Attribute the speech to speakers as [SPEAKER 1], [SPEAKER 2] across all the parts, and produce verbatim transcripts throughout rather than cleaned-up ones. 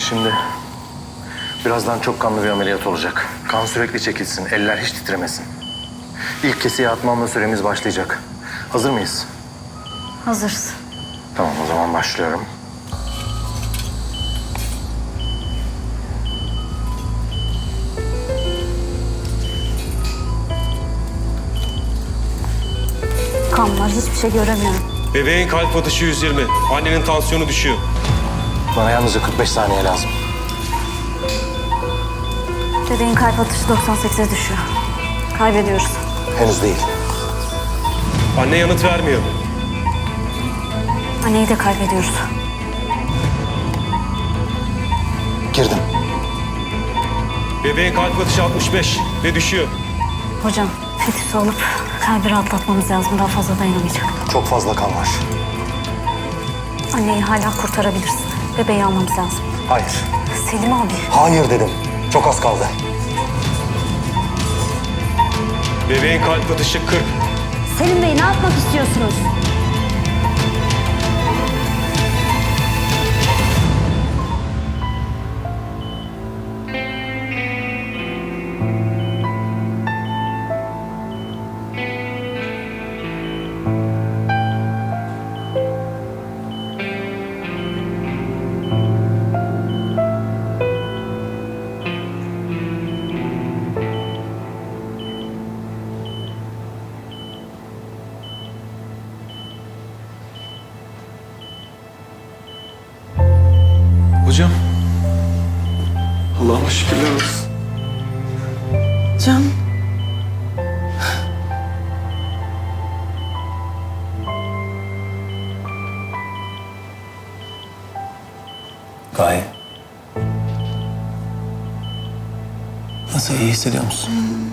[SPEAKER 1] Şimdi birazdan çok kanlı bir ameliyat olacak. Kan sürekli çekilsin, eller hiç titremesin. İlk kesiye atmamla süremiz başlayacak. Hazır mıyız?
[SPEAKER 2] Hazırız.
[SPEAKER 1] Tamam, o zaman başlıyorum.
[SPEAKER 2] Kan var, hiçbir şey göremiyorum.
[SPEAKER 3] Bebeğin kalp atışı yüz yirmi. Annenin tansiyonu düşüyor.
[SPEAKER 1] Bana yalnızca kırk beş saniye lazım.
[SPEAKER 2] Bebeğin kalp atışı doksan sekize düşüyor. Kaybediyoruz.
[SPEAKER 1] Henüz değil.
[SPEAKER 3] Anne yanıt vermiyor.
[SPEAKER 2] Anneyi de kaybediyoruz.
[SPEAKER 1] Girdim.
[SPEAKER 3] Bebeğin kalp atışı altmış beş ve düşüyor.
[SPEAKER 2] Hocam, fetüsü alıp kalbi rahatlatmamız lazım. Daha fazla dayanamayacak.
[SPEAKER 1] Çok fazla kan var.
[SPEAKER 2] Anneyi hala kurtarabilirsin. Bebeği almamız lazım.
[SPEAKER 1] Hayır.
[SPEAKER 2] Selim abi.
[SPEAKER 1] Hayır dedim. Çok az kaldı.
[SPEAKER 3] Bebeğin kalp atışı kırk.
[SPEAKER 2] Selim Bey, ne yapmak istiyorsunuz?
[SPEAKER 4] Hocam. Allah'ıma şükürler olsun.
[SPEAKER 5] Can.
[SPEAKER 4] Gaye. Nasıl, iyi hissediyor musun?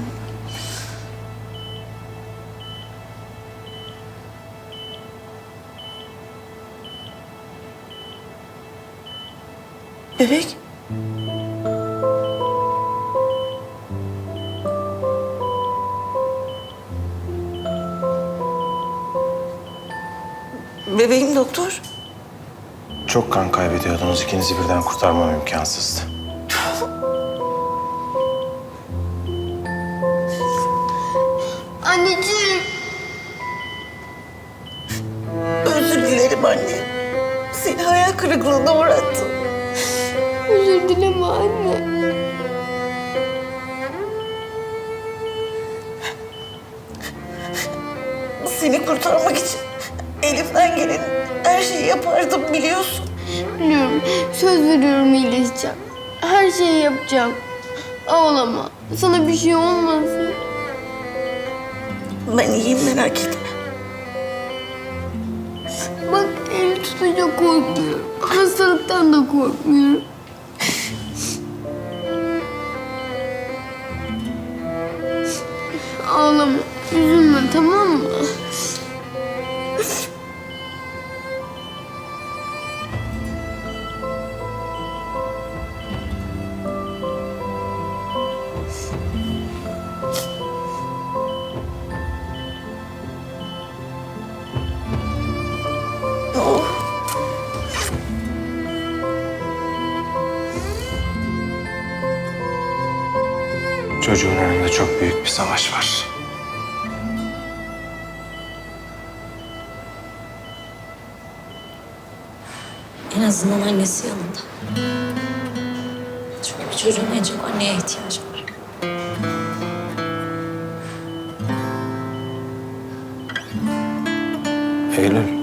[SPEAKER 5] Bebek. Bebeğim doktor.
[SPEAKER 1] Çok kan kaybediyordunuz. İkinizi birden kurtarmam imkansızdı.
[SPEAKER 5] Anneciğim. Özür dilerim anne. Seni hayal kırıklığına uğrattım.
[SPEAKER 6] Özür dileme anne.
[SPEAKER 5] Seni kurtarmak için elimden gelen her şeyi yapardım biliyorsun.
[SPEAKER 6] Biliyorum. Söz veriyorum iyileşeceğim. Her şeyi yapacağım. Ağlama. Sana bir şey olmasın.
[SPEAKER 5] Ben iyiyim, merak etme.
[SPEAKER 6] Bak el tutunca korkmuyorum. Hastalıktan da korkmuyorum. Ağlama. Üzülme, tamam mı?
[SPEAKER 5] Oh.
[SPEAKER 1] Çocuğun önünde çok büyük bir savaş var.
[SPEAKER 7] En azından annesi yanında. Çünkü bir çocuğun en çok anneye ihtiyacı var.
[SPEAKER 1] Eylül.